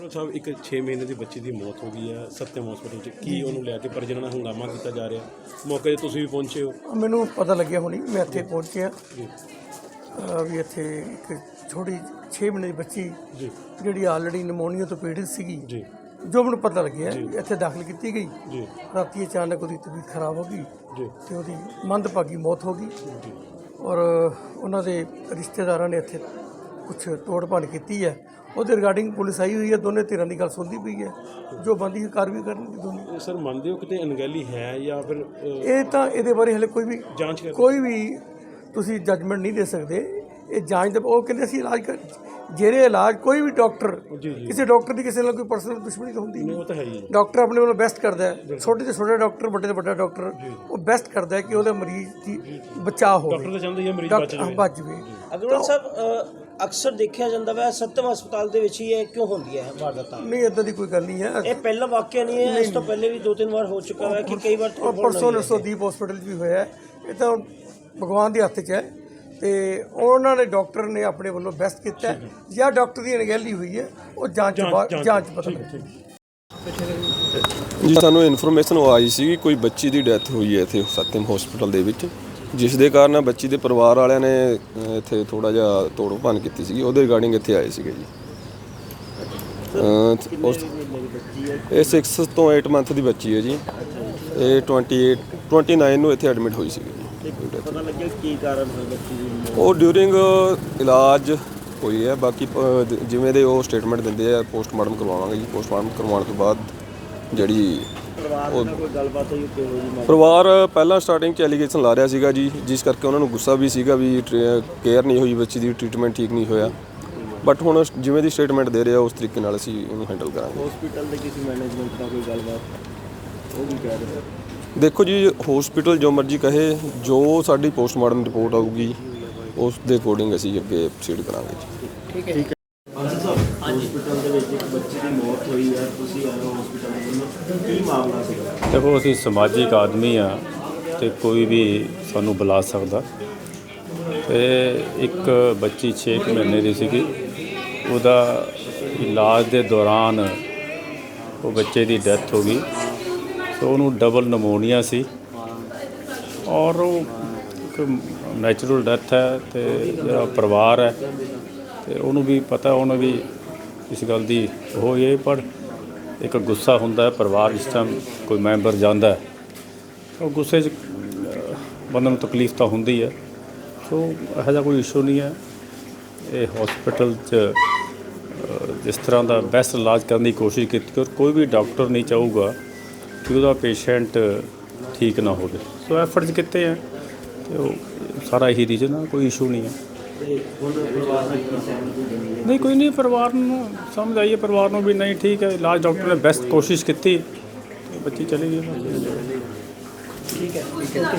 Principal ਸਾਹਿਬ ਇੱਕ 6 ਮਹੀਨੇ ਦੀ ਬੱਚੀ ਦੀ ਮੌਤ ਹੋ ਗਈ ਹੈ ਸਤਿਅਮ ਹਸਪੀਟਲ 'ਚ ਕੀ ਉਹਨੂੰ ਲੈ ਕੇ ਪਰਿਜਨਾਂ ਨਾਲ ਹੰਗਾਮਾ ਕੀਤਾ ਜਾ ਰਿਹਾ ਮੌਕੇ 'ਤੇ ਤੁਸੀਂ ਵੀ ਪਹੁੰਚੇ ਹੋ? ਮੈਨੂੰ ਪਤਾ ਲੱਗਿਆ ਹੁਣੀ ਮੈਂ ਇੱਥੇ ਪਹੁੰਚਿਆ ਜੀ ਵੀ ਇੱਥੇ ਇੱਕ ਛੋਟੀ 6 ਮਹੀਨੇ ਦੀ ਬੱਚੀ ਜੀ ਜਿਹੜੀ ਆਲਰੇਡੀ ਨਮੋਨੀਆ ਤੋਂ ਪੀੜਿਤ ਸੀਗੀ ਜੀ ਜੋ ਮੈਨੂੰ ਪਤਾ ਲੱਗਿਆ ਇੱਥੇ ਦਾਖਲ ਕੀਤੀ ਗਈ। ਜੀ ਰਾਤੀ ਅਚਾਨਕ ਉਹਦੀ ਤਬੀਅਤ ਖਰਾਬ ਹੋ ਗਈ ਜੀ ਤੇ ਉਹਦੀ ਮੰਦਭਾਗੀ ਮੌਤ ਹੋ ਗਈ ਜੀ ਔਰ ਉਹਨਾਂ ਦੇ ਰਿਸ਼ਤੇਦਾਰਾਂ ਨੇ ਇੱਥੇ ਕੁਝ ਤੋੜ ਭੰਨ ਕੀਤੀ ਹੈ। ਉਹਦੇ ਰਿਗਾਰਡਿੰਗ ਪੁਲਿਸ ਆਈ ਹੋਈ ਹੈ, ਦੋਨੇ ਧਿਰਾਂ ਦੀ ਗੱਲ ਸੁਣਦੀ ਪਈ ਹੈ, ਜੋ ਬਣਦੀ ਹੈ ਕਾਰਵਾਈ ਕਰਨਗੇ ਦੋਨੇ। ਸਰ ਮੰਨਦੇ ਹੋ ਕਿਤੇ ਅਣਗਹਿਲੀ ਹੈ ਜਾਂ ਫਿਰ ਇਹ ਤਾਂ ਇਹਦੇ ਬਾਰੇ ਹਲੇ ਜਾਂਚ ਕਰ ਕੋਈ ਵੀ ਤੁਸੀਂ ਜੱਜਮੈਂਟ ਨਹੀਂ ਦੇ ਸਕਦੇ। ਇਹ ਜਾਂਚ ਦੇ ਉਹ ਕਹਿੰਦੇ ਅਸੀਂ ਇਲਾਜ ਜਿਹੜੇ ਇਲਾਜ ਕੋਈ ਵੀ ਡਾਕਟਰ ਕਿਸੇ ਡਾਕਟਰ ਦੀ ਕਿਸੇ ਨਾਲ ਕੋਈ ਪਰਸਨਲ ਦੁਸ਼ਮਣੀ ਤਾਂ ਹੁੰਦੀ ਉਹ ਨਹੀਂ। ਤਾਂ ਹੈ ਹੀ ਡਾਕਟਰ ਆਪਣੇ ਵੱਲੋਂ ਬੈਸਟ ਕਰਦਾ ਹੈ, ਛੋਟੇ ਤੋਂ ਛੋਟਾ ਡਾਕਟਰ ਵੱਡੇ ਤੋਂ ਵੱਡਾ ਡਾਕਟਰ ਉਹ ਬੈਸਟ ਕਰਦਾ ਹੈ ਕਿ ਉਹਦੇ ਮਰੀਜ਼ ਦੀ ਬਚਾਅ ਹੋਵੇ, ਡਾਕਟਰ ਤਾਂ ਚਾਹੁੰਦੇ ਹੀ ਮਰੀਜ਼ ਬਚ ਜਾਵੇ। ਬਚ ਜਾਵੇ। ਅਗਰਵਾਲ ਸਾਹਿਬ ਅਕਸਰ ਦੇਖਿਆ ਜਾਂਦਾ ਵਾ ਸਤਿਅਮ ਹਸਪਤਾਲ ਦੇ ਵਿੱਚ ਹੀ ਇਹ ਕਿਉਂ ਹੁੰਦੀ ਹੈ ਵਾਰਦਾਤਾਂ? ਨਹੀਂ ਇੱਦਾਂ ਦੀ ਕੋਈ ਗੱਲ ਨਹੀਂ ਹੈ। ਇਹ ਪਹਿਲਾ ਵਾਕਿਆ ਨਹੀਂ ਹੈ, ਇਸ ਤੋਂ ਪਹਿਲੇ ਵੀ 2-3 ਵਾਰ ਹੋ ਚੁੱਕਾ ਹੈ ਕਿ ਕਈ ਵਾਰ ਪਰਸੋਂ ਨਰਸੋਦੀਪ ਹਸਪੀਟਲ 'ਚ ਵੀ ਹੋਇਆ। ਇਹ ਤਾਂ ਭਗਵਾਨ ਦੇ ਹੱਥ 'ਚ ਹੈ ਤੇ ਉਹਨਾਂ ਨੇ ਡਾਕਟਰ ਨੇ ਆਪਣੇ ਵੱਲੋਂ ਬੈਸਟ ਕੀਤਾ ਹੈ। ਜਾਂ ਡਾਕਟਰ ਦੀ ਅਣਗਹਿਲੀ ਹੋਈ ਹੈ ਉਹ ਜਾਂਚ ਪਤਾ ਲੱਗੇ। ਜੀ ਸਾਨੂੰ ਇਨਫੋਰਮੇਸ਼ਨ ਆਈ ਸੀ ਕੋਈ ਬੱਚੀ ਦੀ ਡੈਥ ਹੋਈ ਹੈ ਇੱਥੇ ਸਤਿਅਮ ਹਸਪੀਟਲ ਦੇ ਵਿੱਚ, ਜਿਸ ਦੇ ਕਾਰਨ ਬੱਚੀ ਦੇ ਪਰਿਵਾਰ ਵਾਲਿਆਂ ਨੇ ਇੱਥੇ ਥੋੜਾ ਜਿਹਾ ਤੋੜ ਭੰਨ ਕੀਤੀ ਸੀ। ਉਹਦੇ ਰਿਗਾਰਡਿੰਗ ਇੱਥੇ ਆਏ ਸੀਗੇ ਜੀ। ਇਹ 6 ਤੋਂ 8 ਮੰਥ ਦੀ ਬੱਚੀ ਹੈ ਜੀ। ਇਹ 29 ਨੂੰ ਇੱਥੇ ਐਡਮਿਟ ਹੋਈ ਸੀਗੀ ਜੀ। ਪਤਾ ਲੱਗਿਆ ਕੀ ਕਾਰਨ ਹੋਇਆ ਬੱਚੀ ਦੀ? ਉਹ ਡਿਊਰਿੰਗ ਇਲਾਜ ਹੋਈ ਹੈ। ਬਾਕੀ ਜਿਵੇਂ ਦੇ ਉਹ ਸਟੇਟਮੈਂਟ ਦਿੰਦੇ ਆ ਪੋਸਟਮਾਰਟਮ ਕਰਵਾਵਾਂਗੇ ਜੀ। ਪੋਸਟਮਾਰਟਮ ਕਰਵਾਉਣ ਤੋਂ ਬਾਅਦ ਜਿਹੜੀ ਪਰਿਵਾਰ ਨਾਲ ਕੋਈ ਗੱਲਬਾਤ ਹੋਈ ਕਿ ਹੋਈ? ਪਰਿਵਾਰ ਪਹਿਲਾਂ ਸਟਾਰਟਿੰਗ 'ਚ ਐਲੀਗੇਸ਼ਨ ਲਾ ਰਿਹਾ ਸੀਗਾ ਜੀ, ਜਿਸ ਕਰਕੇ ਉਹਨਾਂ ਨੂੰ ਗੁੱਸਾ ਵੀ ਸੀਗਾ ਵੀ ਕੇਅਰ ਨਹੀਂ ਹੋਈ ਬੱਚੀ ਦੀ, ਟ੍ਰੀਟਮੈਂਟ ਠੀਕ ਨਹੀਂ ਹੋਇਆ। ਬਟ ਹੁਣ ਜਿਵੇਂ ਦੀ ਸਟੇਟਮੈਂਟ ਦੇ ਰਿਹਾ ਉਸ ਤਰੀਕੇ ਨਾਲ ਅਸੀਂ ਇਹਨੂੰ ਹੈਂਡਲ ਕਰਾਂਗੇ। ਹਸਪੀਟਲ ਦੇ ਕਿਸੇ ਮੈਨੇਜਮੈਂਟ ਨਾਲ ਕੋਈ ਗੱਲਬਾਤ ਉਹ ਵੀ ਕਹਿ ਰਹੇ? ਦੇਖੋ ਜੀ ਹਸਪੀਟਲ ਜੋ ਮਰਜ਼ੀ ਕਹੇ, ਜੋ ਸਾਡੀ ਪੋਸਟਮਾਰਟਮ ਰਿਪੋਰਟ ਆਊਗੀ ਉਸ ਦੇ ਅਕੋਰਡਿੰਗ ਅਸੀਂ ਅੱਗੇ ਪ੍ਰੋਸੀਡ ਕਰਾਂਗੇ ਜੀ। ਠੀਕ ਹੈ। ਹਸਪੀਟਲ ਦੇ ਵਿੱਚ ਇੱਕ ਬੱਚੀ ਦੀ ਮੌਤ ਹੋਈ ਹੈ, ਤੁਸੀਂ ਆਏ ਹੋ ਹਸਪੀਟਲ ਦੇ ਵੱਲੋਂ, ਕੀ ਮਾਮਲਾ ਸੀਗਾ? ਦੇਖੋ ਅਸੀਂ ਸਮਾਜਿਕ ਆਦਮੀ ਆ ਤੇ ਕੋਈ ਵੀ ਸਾਨੂੰ ਬੁਲਾ ਸਕਦਾ। ਤੇ ਇੱਕ ਬੱਚੀ 6 ਮਹੀਨੇ ਦੀ ਸੀਗੀ, ਉਹਦਾ ਇਲਾਜ ਦੇ ਦੌਰਾਨ ਉਹ ਬੱਚੇ ਦੀ ਡੈਥ ਹੋ ਗਈ। ਸੋ ਉਹਨੂੰ ਡਬਲ ਨਮੋਨੀਆ ਸੀ ਔਰ ਉਹ ਇੱਕ ਨੈਚੁਰਲ ਡੈਥ ਹੈ। ਤੇ ਜਿਹੜਾ ਪਰਿਵਾਰ ਹੈ ਤੇ ਉਹਨੂੰ ਵੀ ਪਤਾ, ਉਹਨੂੰ ਵੀ ਇਸ ਗੱਲ ਦੀ ਉਹ ਇਹ ਪਰ ਇੱਕ ਗੁੱਸਾ ਹੁੰਦਾ ਹੈ ਪਰਿਵਾਰ ਜਿਸ ਟਾਈਮ ਕੋਈ ਮੈਂਬਰ ਜਾਂਦਾ ਹੈ ਉਹ ਗੁੱਸੇ 'ਚ ਬੰਦੇ ਨੂੰ ਤਕਲੀਫ ਤਾਂ ਹੁੰਦੀ ਹੈ। ਸੋ ਇਹੋ ਜਿਹਾ ਕੋਈ ਇਸ਼ੂ ਨਹੀਂ ਹੈ। ਇਹ ਹਸਪੀਟਲ 'ਚ ਜਿਸ ਤਰ੍ਹਾਂ ਦਾ ਬੈਸਟ ਇਲਾਜ ਕਰਨ ਦੀ ਕੋਸ਼ਿਸ਼ ਕੀਤੀ ਔਰ ਕੋਈ ਵੀ ਡਾਕਟਰ ਨਹੀਂ ਚਾਹੂਗਾ ਕਿ ਉਹਦਾ ਪੇਸ਼ੈਂਟ ਠੀਕ ਨਾ ਹੋਵੇ। ਸੋ ਐਫਰਟਸ ਕੀਤੇ ਹੈ ਤੇ ਉਹ ਸਾਰਾ ਇਹੀ ਰੀਜ਼ਨ ਆ, ਕੋਈ ਇਸ਼ੂ ਨਹੀਂ ਹੈ। ਨਹੀਂ ਕੋਈ ਨਹੀਂ, ਪਰਿਵਾਰ ਨੂੰ ਸਮਝ ਆਈਏ, ਪਰਿਵਾਰ ਨੂੰ ਵੀ ਨਹੀਂ ਠੀਕ ਹੈ, ਇਲਾਜ ਡਾਕਟਰ ਨੇ ਬੈਸਟ ਕੋਸ਼ਿਸ਼ ਕੀਤੀ, ਬੱਚੀ ਚਲੀ ਗਈ। ਠੀਕ ਹੈ।